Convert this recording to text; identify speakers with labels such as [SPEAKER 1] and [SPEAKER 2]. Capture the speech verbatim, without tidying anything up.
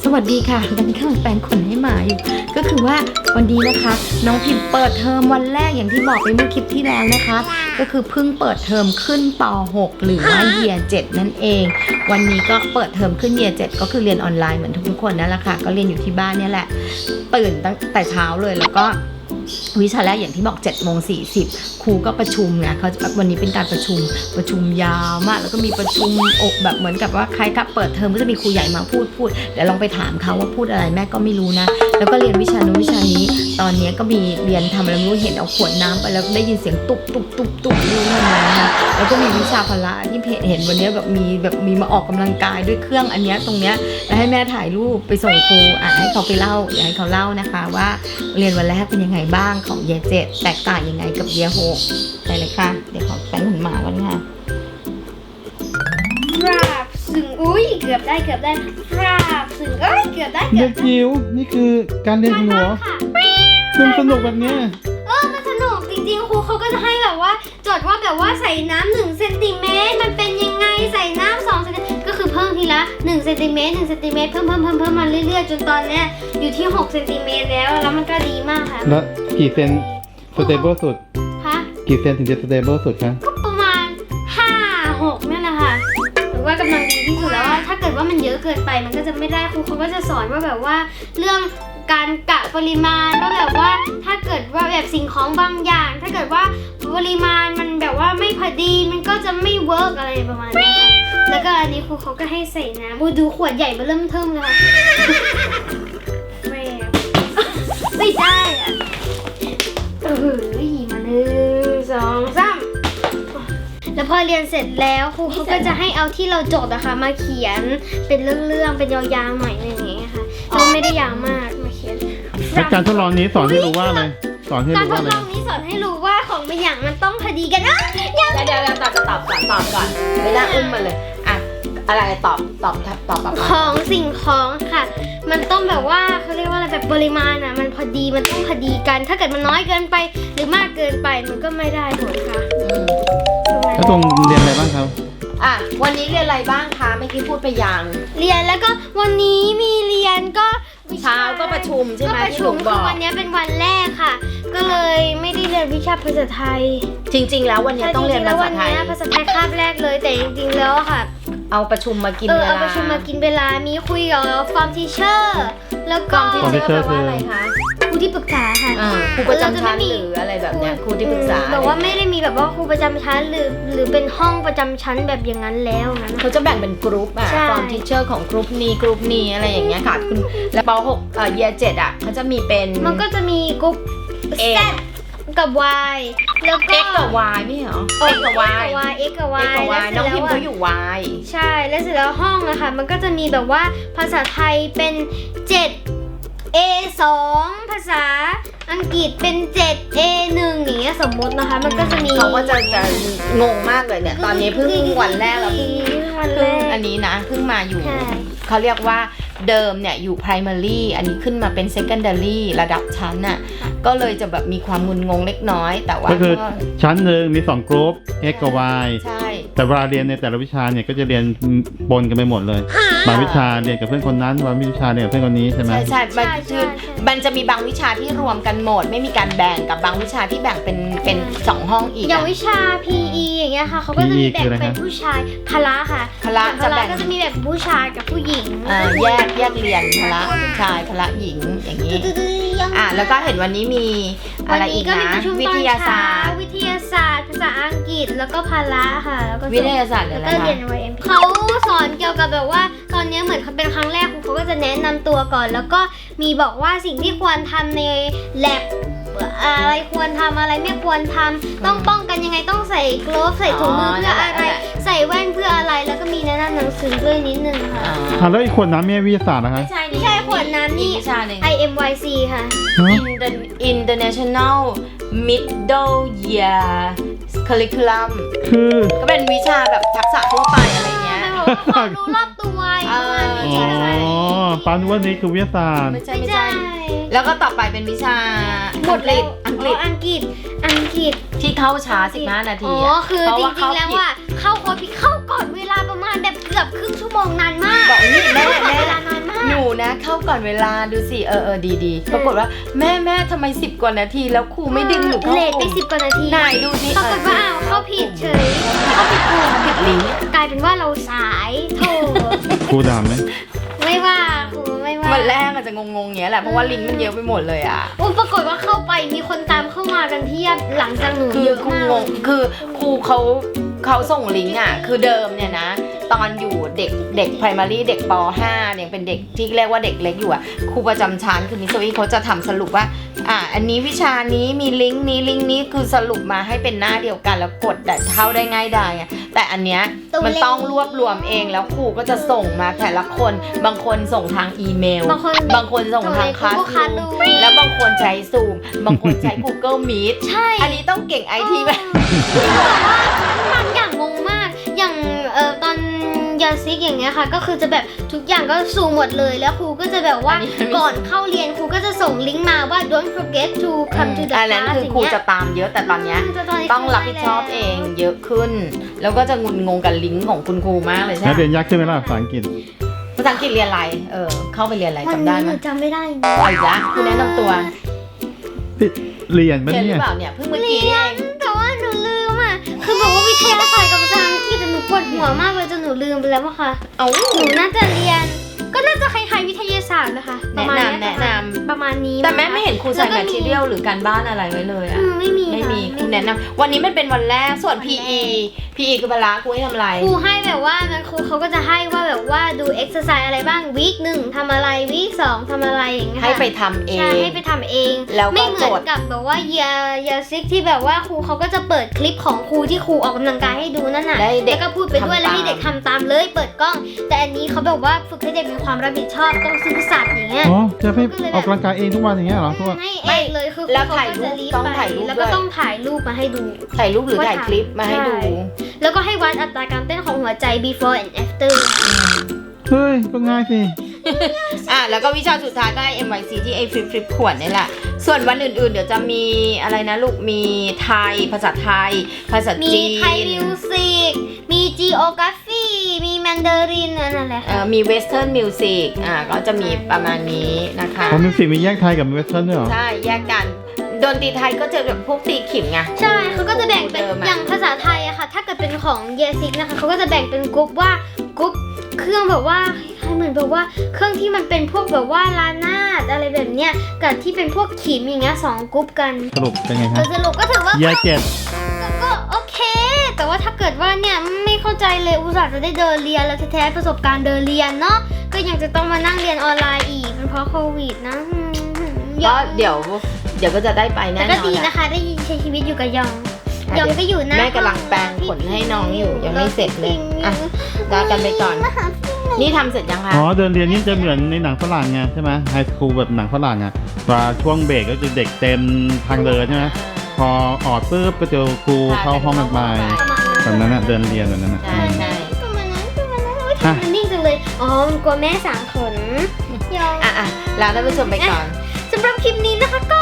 [SPEAKER 1] สวัสดีค่ะตอนนี้กำลังแปรงขนให้หมาอยู่ก็คือว่าวันนี้นะคะน้องพิมพ์เปิดเทอมวันแรกอย่างที่บอกไปเมื่อคลิปที่แล้วนะคะก็คือเพิ่งเปิดเทอมขึ้นป หก หรือว่าเยียร์เจ็ดนั่นเองวันนี้ก็เปิดเทอมขึ้นเยียร์เจ็ดก็คือเรียนออนไลน์เหมือนทุกๆคนนั่นแหละค่ะก็เรียนอยู่ที่บ้านเนี่ยแหละตื่นตั้งแต่เช้าเลยแล้วก็วิชาแรกอย่างที่บอกเจ็ดโมงสี่สิบครูก็ประชุมนะเขาวันนี้เป็นการประชุมประชุมยาวมากแล้วก็มีประชุมอกแบบเหมือนกับว่าใครถ้าเปิดเทอมก็จะมีครูใหญ่มาพูดพูดเดี๋ยวลองไปถามเขาว่าพูดอะไรแม่ก็ไม่รู้นะแล้วก็เรียนวิชานู้นวิชานี้ตอนนี้ก็มีเรียนทำอะไรไม่รู้เห็นเอาขวดน้ำไปแล้วได้ยินเสียงตุบตุบตุบตุบอยู่นั่นนะแล้วก็มีวิชาพละที่เห็นวันนี้แบบมีแบบมีมาออกกำลังกายด้วยเครื่องอันนี้ตรงเนี้ยแล้วให้แม่ถ่ายรูปไปส่งครูอ่ะให้เขาไปเล่าเดี๋ยวให้เขาเล่านะคะว่าเรียนวันแรกเป็นยังไงบ้างของเยียร์เจ็ดแตกต่างยังไงกับเยียร์หกไปเลยค่ะเดี๋ยวขอแป้งขนหมาก่อนค่ะ
[SPEAKER 2] ฟราบสึงอุ้ยเกือบได้เกือบได้ฟราบสึงเอ้ยเกือบได้เกื
[SPEAKER 3] เด็
[SPEAKER 2] อบ
[SPEAKER 3] กจิ๋วนี่คือการเรียนของหนูคุณสนุกแบบนี้
[SPEAKER 2] เออมันสนุกจริงๆครูเขาก็จะให้แบบว่าจดว่าแบบว่าใส่น้ำหนึ่งเซนติเมตรมันเป็นยังไงใส่น้ำสองเซนติเมตรก็คือเพิ่มทีละหนึ่งเซนติเมตรหนึ่งเซนติเมตรเพิ่มเพิ่มเพิ่มเพิ่มมาเรื่อยๆจนตอนเนี้ยอยู่ที่หกเซนติเมตรแล้วแล้วมันก็ดีมากค่ะ
[SPEAKER 3] แล้วกี่เซนสเตเบิลสุด
[SPEAKER 2] คะ
[SPEAKER 3] กี่เซนถึงจะสเตเบิลสุดคะ
[SPEAKER 2] ก็ประมาณห้าหกนี่แหละค่ะหรือว่ากำลังดีที่สุดแล้วว่าถ้าเกิดว่ามันเยอะเกินไปมันก็จะไม่ได้ครูเขาก็จะสอนว่าแบบว่าเรื่องการกะปริมาณว่าแบบว่าถ้าเกิดว่าแบบสิ่งของบางอย่าง ถ้าเกิดว่าปริมาณมันแบบว่าไม่พอดีมันก็จะไม่เวิร์กอะไรประมาณนี้ค่ะแล้วก็อันนี้ครูเขาก็ให้ใส่น้ำดูขวดใหญ่มาเริ่มเทิมเลยค่ะไม่ไม่ได้อะเออมาหนึ่งสองสามแล้วพอเรียนเสร็จแล้วครูเขาก็จะให้เอาที่เราจดอะค่ะมาเขียนเป็นเรื่องๆเป็นยาวๆหน่อยนึงอย่างเงี้ยค่ะก็ไม่ได้ยาวมากมาเขียน
[SPEAKER 3] แล้วการทดลองนี้สอนให้รู้ว่าอะไรสอนให้
[SPEAKER 2] การทด
[SPEAKER 3] รู้ว่าอะไร
[SPEAKER 2] ลองนี้สอนให้รู้ว่าของบางอย่างมันต้องพอดีกันนะ
[SPEAKER 1] เดี๋ยวเดี๋ยวตอบตอบก่อนตอบก่อนไม่น่าอุ้มมาเลยอ่ะอะไรตอบตอบตอบแบบ
[SPEAKER 2] ของสิ่งของค่ะมันต้องแบบว่าเขาเรียกว่าอะไรแบบปริมาณอ่ะมันพอดีมันต้องพอดีกันถ้าเกิดมันน้อยเกินไปหรือมากเกินไปมันก็ไม่ได้ผลค่ะ
[SPEAKER 3] แล้วตรงเรียนอะไรบ้างครับ
[SPEAKER 1] อ่ะวันนี้เรียนอะไรบ้างคะเมื่อกี้พูดไปยัง
[SPEAKER 2] เรียนแล้วก็วันนี้มีเรียนก็
[SPEAKER 1] เช้าก็ประชุมใช่ไหม
[SPEAKER 2] ก็ประชุมคือวันนี้เป็นวันแรกค่ะก็เลยไม่ได้เรียนวิชาภาษาไทย
[SPEAKER 1] จริงๆแล้ววันนี้ต้องเรียนภาษาไทย
[SPEAKER 2] ภาษาไทยคาบแรกเลยแต่จริงๆแล้วค่ะ
[SPEAKER 1] เอาประชุมมากินเวลา
[SPEAKER 2] เอาประชุมมากินเวลามีคุยกับฟอร์มทีเชอร์แล้วก็
[SPEAKER 1] ฟอร์มทีเชอร์แปลว่าอะไรคะ
[SPEAKER 2] ครูที่ปรึกษาค่ะ
[SPEAKER 1] ครูประจำชั้นหรืออะไรแบบเนี้ยครูที่ปรึกษา
[SPEAKER 2] แต่ว่าไม่ได้มีแบบว่าครูประจำชั้นหรือหรือเป็นห้องประจำชั้นแบบอย่างนั้นแล้วนะ
[SPEAKER 1] เขาจะแบ่งเป็นกรุ๊ปอ่ะฟอร์มทีเชอร์ของกรุ๊ปนี้กรุ๊ปนี้อะไรอย่างเงี้ยค่ะคุณแล้วป หกเอ่อเยียร์เจ็ดอ่ะเขาจะมีเป็น
[SPEAKER 2] มันก็จะมีกรุ๊ป Z กับ Y แล้วก็
[SPEAKER 1] X กับ Y ไม่เหรอ
[SPEAKER 2] X กับ Y X กับ Y
[SPEAKER 1] น้องพิมพ์เขาอยู่ Y
[SPEAKER 2] ใช่แล้วเสร็จแล้วห้องอะค่ะมันก็จะมีแบบว่าภาษาไทยเป็นเจ็ด เอ สอง ภาษาอังกฤษเป็นเจ็ด เอ หนึ่งอย่างเงี้ยสมมตินะคะมันก็จะมี
[SPEAKER 1] เขาก็จะจะงงมากเลยเนี่ยตอนนี้เพิ่งวันแรกแล้วเพิ่งอันนี้นะเพิ่งมาอยู่เขาเรียกว่าเดิมเนี่ยอยู่ primary อันนี้ขึ้นมาเป็น secondary ระดับชั้นน่ะก็เลยจะแบบมีความงุนงงเล็กน้อยแต่ว่า
[SPEAKER 3] ก็คือชั้นหนึ่งมีสองกรุ๊ป X กับ Y
[SPEAKER 1] ใช่
[SPEAKER 3] แต่เวลาเรียนในแต่ละวิชาเนี่ยก็จะเรียนปนกันไปหมดเลยบางวิชาเรียนกับเพื่อนคนนั้นบางวิชาเรียนกับเพื่อนคนนี้ใช่ไหม
[SPEAKER 1] ใช่ใช่มันคือมันจะมีบางวิชาที่รวมกันหมดไม่มีการแบ่งกับบางวิชาที่แบ่งเป็นเป็นสองห้องอีก
[SPEAKER 2] อย่างวิชา พี อี อย่างเงี้ยค่ะเขาก็จะมีแบ่งเป็นผู้ชายพละค่ะ
[SPEAKER 1] พละ
[SPEAKER 2] จะแบ่งก็จะมีแบบผู้ชายกับผู้หญิง
[SPEAKER 1] แยกแยกเรียนพละผู้ชายพละหญิงอย่างนี้อ่ะแล้วก็เห็นวันนี้มีอะไรอีกนะวิทยาศาสตร์
[SPEAKER 2] วิทยาศาสตร์ภาษาอังกฤษแล้วก็พละค่ะแล้วก็
[SPEAKER 1] วิทยาศาสตร์อะไรคะ
[SPEAKER 2] เขาสอนเกี่ยวกับแบบว่าตอนนี้เหมือนเขาเป็นครั้งแรกเขาก็จะแนะนำตัวก่อนแล้วก็มีบอกว่าสิ่งที่ควรทำใน lab อะไรควรทำอะไรไม่ควรทำต้องป้องกันยังไงต้องใส่กลฟใส่ถุงมือเพื่ออะไรใส่แว่นเพื่ออะไรแล้วก็มีแนะนำหนังสือด้วยนิดนึงค่ะ
[SPEAKER 3] อ่าแล้วอีกขวดน้ำมีวิทยาศาสตร์นะคะ
[SPEAKER 2] ไม่ใช่ไม่ใช่ขวดน้ำนี่ ไอ เอ็ม วาย ซี ค่ะ
[SPEAKER 1] International Middle Year Curriculum
[SPEAKER 3] คือ
[SPEAKER 1] ก็เป็นวิชาแบบทักษะทั่วไปอะไรเงี้ย
[SPEAKER 2] ความรู้รอบตัวประมาณนี้
[SPEAKER 3] ใช่ไหมอ๋อปานุวันนี้คือวิทยาศาสตร์
[SPEAKER 1] ไม่ใช่ไม่ใช่แล้วก็ต่อไปเป็นวิชา
[SPEAKER 2] หมดเลย
[SPEAKER 1] อังกฤษ
[SPEAKER 2] อังกฤษอังกฤษ
[SPEAKER 1] ที่เข้าช้าสิบห้านาที
[SPEAKER 2] อ๋อคือจริงๆแล้วว่าเข้าคอร์สเข้าก่อนเวลาประมาณแบบเกือบครึ่งชั่วโมงนานมาก
[SPEAKER 1] บอกนี่แม่แม่
[SPEAKER 2] นานมาก
[SPEAKER 1] หนูนะก่อนเวลาดูสิเออเออดีดีปรากฏว่าแม่แม่ทำไมสิบกว่านาทีแล้วครูไม่ดึงหนูเข้า
[SPEAKER 2] เลท
[SPEAKER 1] ก
[SPEAKER 2] ไป
[SPEAKER 1] ลุ่ม
[SPEAKER 2] สิบกว่านาที
[SPEAKER 1] ไหนดูสิ
[SPEAKER 2] ปรากฏว่าอ้าวเข้าผิดเฉยเข้าผิดกลุ่ม
[SPEAKER 1] ผิดลิงก์
[SPEAKER 2] กลายเป็นว่าเราสายโถ
[SPEAKER 3] ครูด่าไหม
[SPEAKER 2] ไม่ว่าครูไม่ว่า
[SPEAKER 1] วันแรกอาจจะงงๆอย่างเงี้ยแหละเพราะว่าลิงก์มันเยอะไปหมดเลยอ่ะ
[SPEAKER 2] โอ้ปรากฏว่าเข้าไปมีคนตามเข้ามากันเพียบหลังจากหนู
[SPEAKER 1] คือ
[SPEAKER 2] เยอะ
[SPEAKER 1] ครู
[SPEAKER 2] มาก
[SPEAKER 1] งงคือครูเขาเขาส่งลิงก์อ่ะคือเดิมเนี่ยนะตอนอยู่เด็กเด็ก primary เด็กป .ห้า เนี่ยเป็นเด็กที่เรียกว่าเด็กเล็กอยู่อ่ะครูประจำชั้นคือมิสซี่เขาจะทำสรุปว่าอ่าอันนี้วิชานี้มีลิงก์นี้ลิงก์นี้คือสรุปมาให้เป็นหน้าเดียวกันแล้วกดแต่เข้าได้ง่ายดายอ่ะแต่อันเนี้ยมันต้องรวบรวมเองแล้วครูก็จะส่งมาแต่ละคนบางคนส่งทางอีเมล
[SPEAKER 2] บางคน
[SPEAKER 1] บางคนส่งทางคลาส
[SPEAKER 2] คลาส
[SPEAKER 1] รู
[SPEAKER 2] รู
[SPEAKER 1] ม
[SPEAKER 2] ม
[SPEAKER 1] แล้วบางคนใช้ซูมบางคนใช้ Google Meet
[SPEAKER 2] ใช่
[SPEAKER 1] อันนี้ต้องเก่งไอทีไหม
[SPEAKER 2] บางอย่างงงมาก อย่างเออตอนยาซิกอย่างเงี้ยค่ะ ก็คือจะแบบทุกอย่างก็ซูมหมดเลย แล้วครูก็จะแบบว่า
[SPEAKER 1] อันนี้ไม่
[SPEAKER 2] ก่อนเข้าเรียนครูก็จะส่งลิงก์มาว่า don't forget to come to the
[SPEAKER 1] อันนั้น
[SPEAKER 2] class
[SPEAKER 1] คือ
[SPEAKER 2] อย่าง
[SPEAKER 1] ครู
[SPEAKER 2] เงี้ย
[SPEAKER 1] จะตามเยอะแต่ตอนเนี้ย
[SPEAKER 2] แต่ตนนี้
[SPEAKER 1] ต้องรับผิดชอบเองเยอะขึ้น แล้วก็จะงุนงงกับลิงก์ของคุณครูมากเลยใช่
[SPEAKER 3] แล้ว
[SPEAKER 1] ไหม
[SPEAKER 3] เรียนยากขึ้นไหมล่ะภาษาอังกฤษ
[SPEAKER 1] ภาษาอังกฤษเรียนอะไรเออเข้าไปเรียนอะไร
[SPEAKER 2] วัน
[SPEAKER 1] จำได้
[SPEAKER 2] นี้
[SPEAKER 1] ไห
[SPEAKER 2] ห
[SPEAKER 1] ม
[SPEAKER 2] นูจำไม่ได้
[SPEAKER 1] เอาอีกแล้วคุณแนะนำตัว
[SPEAKER 3] เรียนปะ
[SPEAKER 1] เรียนหรื
[SPEAKER 3] เนี่
[SPEAKER 1] อย เปล่าเนี่ยเพิ่งเมื่อกี้นี่เอง
[SPEAKER 2] แต่ว่าหนูลืมอ่ะ คือบอกว่าวิทยาศาสตร์กับภาษาอังกฤษแต่หนูปวดหัวมากเลยจนหนูลืมไปแล้วอะค่ะ
[SPEAKER 1] เอา
[SPEAKER 2] หนูน่าจะเรียน ก็น่าจะคล้ายๆวิทยาศาสตร์นะคะประมาณเย
[SPEAKER 1] แนะนำ
[SPEAKER 2] ประมาณนี้
[SPEAKER 1] แต่แม่ไม่เห็นครูใส่
[SPEAKER 2] แล้วก็
[SPEAKER 1] แมททีเรียลหรือการบ้านอะไรไว้เลย
[SPEAKER 2] อื
[SPEAKER 1] อะ
[SPEAKER 2] มไม่มี
[SPEAKER 1] ไม่มี
[SPEAKER 2] ะ
[SPEAKER 1] ครูแนะนำวันนี้มันเป็นวันแรกส่วน พี อี พี อี คือเวลาครูให้ทำอะไร
[SPEAKER 2] ครูให้แบบว่างั้นครูเขาก็จะให้ว่าแบบว่าดูเอ็กซ์ไซส์อะไรบ้างวีคหนึ่งทำอะไรวีคสองทำอะไรอย่างเงี้ยค่ะ
[SPEAKER 1] ให้ไปทำเอ
[SPEAKER 2] ใช่
[SPEAKER 1] ง
[SPEAKER 2] ให้ไปทำเอง
[SPEAKER 1] แล้วก็
[SPEAKER 2] ไม่เหมือน
[SPEAKER 1] โจทย์
[SPEAKER 2] กับแบบว่าเยเยซิกที่แบบว่าครูเขาก็จะเปิดคลิปของครูที่ครูออกกำลังกายให้ดูนั่นน่ะ
[SPEAKER 1] ได้เด็
[SPEAKER 2] แล้
[SPEAKER 1] ก
[SPEAKER 2] วก็พูดไปด้วย
[SPEAKER 1] ทำ
[SPEAKER 2] แล้วให้
[SPEAKER 1] ตาม
[SPEAKER 2] เด็กทำตามเลยเปิดกล้อง แต่อันนี้เขาแบบว่าฝึกให้เด็กมีความรับผิดชอบต้องซื่อสัตย์อย่างเงี้ย
[SPEAKER 3] อ๋อ จะให้ออกกำลังกายเองทุกวันอย่างเงี้ยเหรอทุกวัน
[SPEAKER 2] ให้เองเลยคือ
[SPEAKER 1] แล้ว
[SPEAKER 2] ครู
[SPEAKER 1] ถ่าย
[SPEAKER 2] เขา
[SPEAKER 1] รู
[SPEAKER 2] ก็
[SPEAKER 1] ป
[SPEAKER 2] จะรีบ
[SPEAKER 1] ต้อง
[SPEAKER 2] ไป
[SPEAKER 1] ถ่ายรูป
[SPEAKER 2] แล้ว
[SPEAKER 1] ด้
[SPEAKER 2] ก็
[SPEAKER 1] วย
[SPEAKER 2] ต้องถ่ายรูปมาให้ดู
[SPEAKER 1] ถ่ายรูปหรือถ่ายคลิปมาให้ดู
[SPEAKER 2] ใช่ แล้วก็ให้วัดอัตราการเต้นของหัวใจ before and after
[SPEAKER 3] เฮ้ย ก็ง่ายสิ
[SPEAKER 1] อ่ะแล้วก็วิชาสุดท้ายก็ไอ้ เอ็ม วาย ซี ที่ไอ้ฟลิปฟลิปขวดนี่แหละ ส่วนวันอื่นๆ เดี๋ยวจะมีอะไรนะลูก มีไทย ภาษาไทย ภาษา
[SPEAKER 2] มี
[SPEAKER 1] จีน
[SPEAKER 2] ไทยมิวสิก มี geography มี mandarin นั่นแหละ
[SPEAKER 1] เอ่
[SPEAKER 2] ค่ะ
[SPEAKER 1] อมีเวสเทิร์นมิวสิกอ่ะก็จะมีประมาณนี้นะคะ
[SPEAKER 3] ของมิวสิกมีแยกไทยกับเวสเทิร์นด้วยเหรอ
[SPEAKER 1] ใช่ แยกกัน ดนตรีไทยก็จะแบบพวกตีขิมไง
[SPEAKER 2] ใช่เขาก็จะแบ่งเป็น
[SPEAKER 1] เดิมอะ
[SPEAKER 2] อย่างภาษาไทยอะค่ะ ถ้าเกิดเป็นของเยซิกนะคะเขาก็จะแบ่งเป็นกรุ๊ปว่ากรุ๊ปเครื่องแบบว่าคล้ายๆเหมือนแบบว่าเครื่องที่มันเป็นพวกแบบว่าลานาดอะไรแบบเนี้ยกับที่เป็นพวกขิมอย่างเงี้ยสองกรุ๊ปกัน
[SPEAKER 3] สรุปเป็นไง
[SPEAKER 2] โด
[SPEAKER 3] คะ
[SPEAKER 2] ยสรุปก็ถือว่า
[SPEAKER 3] แยกเจ็ด
[SPEAKER 2] ก็ก็โอเค แต่ว่าถ้าเกิดว่าเนี่ยไม่เข้าใจเลยอุตส่าห์จะได้เดินเรียนแล้วแท้ๆประสบการณ์เดินเรียนเนาะก็ยังจะต้องมานั่งเรียนออนไลน์อีกเป็นเพราะโควิดนะอืม
[SPEAKER 1] ก็เดี๋ยว เดี๋ยวก็จะได้ไปแน่
[SPEAKER 2] แต่
[SPEAKER 1] น
[SPEAKER 2] ก็
[SPEAKER 1] อน
[SPEAKER 2] ดี
[SPEAKER 1] แหละ
[SPEAKER 2] นะคะได้ใช้ชีวิตอยู่กับยอง
[SPEAKER 1] อ่ะ
[SPEAKER 2] ยองก็อยู่หน้า
[SPEAKER 1] แม่กำลังแปรงขนให้น้องอยู่ยังไม่เสร็จเลยอ่ะ ลากันไปก่อน นี่ทำเสร็จยังคะ
[SPEAKER 3] อ๋อ เดินเรียนนี่จะเหมือนในหนังฝรั่งไงใช่ไหมไฮสคูลแบบหนังฝรั่งอ่ะว่าช่วงเบรกก็จะเด็กเต็มทางเดินใช่ไหมพอออดปุ๊บก็เจอครูเข้าห้องกันไปแบบนั้นอ่ะเดินเรียนแบบนั้นอ่ะ
[SPEAKER 1] ใช่ใช่
[SPEAKER 2] ประมาณนั้นประมาณนั้นโอ๊ยทำมันนิ่งจังเลย อ๋อมันกลัวแม่สางขนยอง
[SPEAKER 1] อ่ะอ่ะลาท่านผู้ชมไปก่อน
[SPEAKER 2] สำหรับคลิปนี้นะคะก็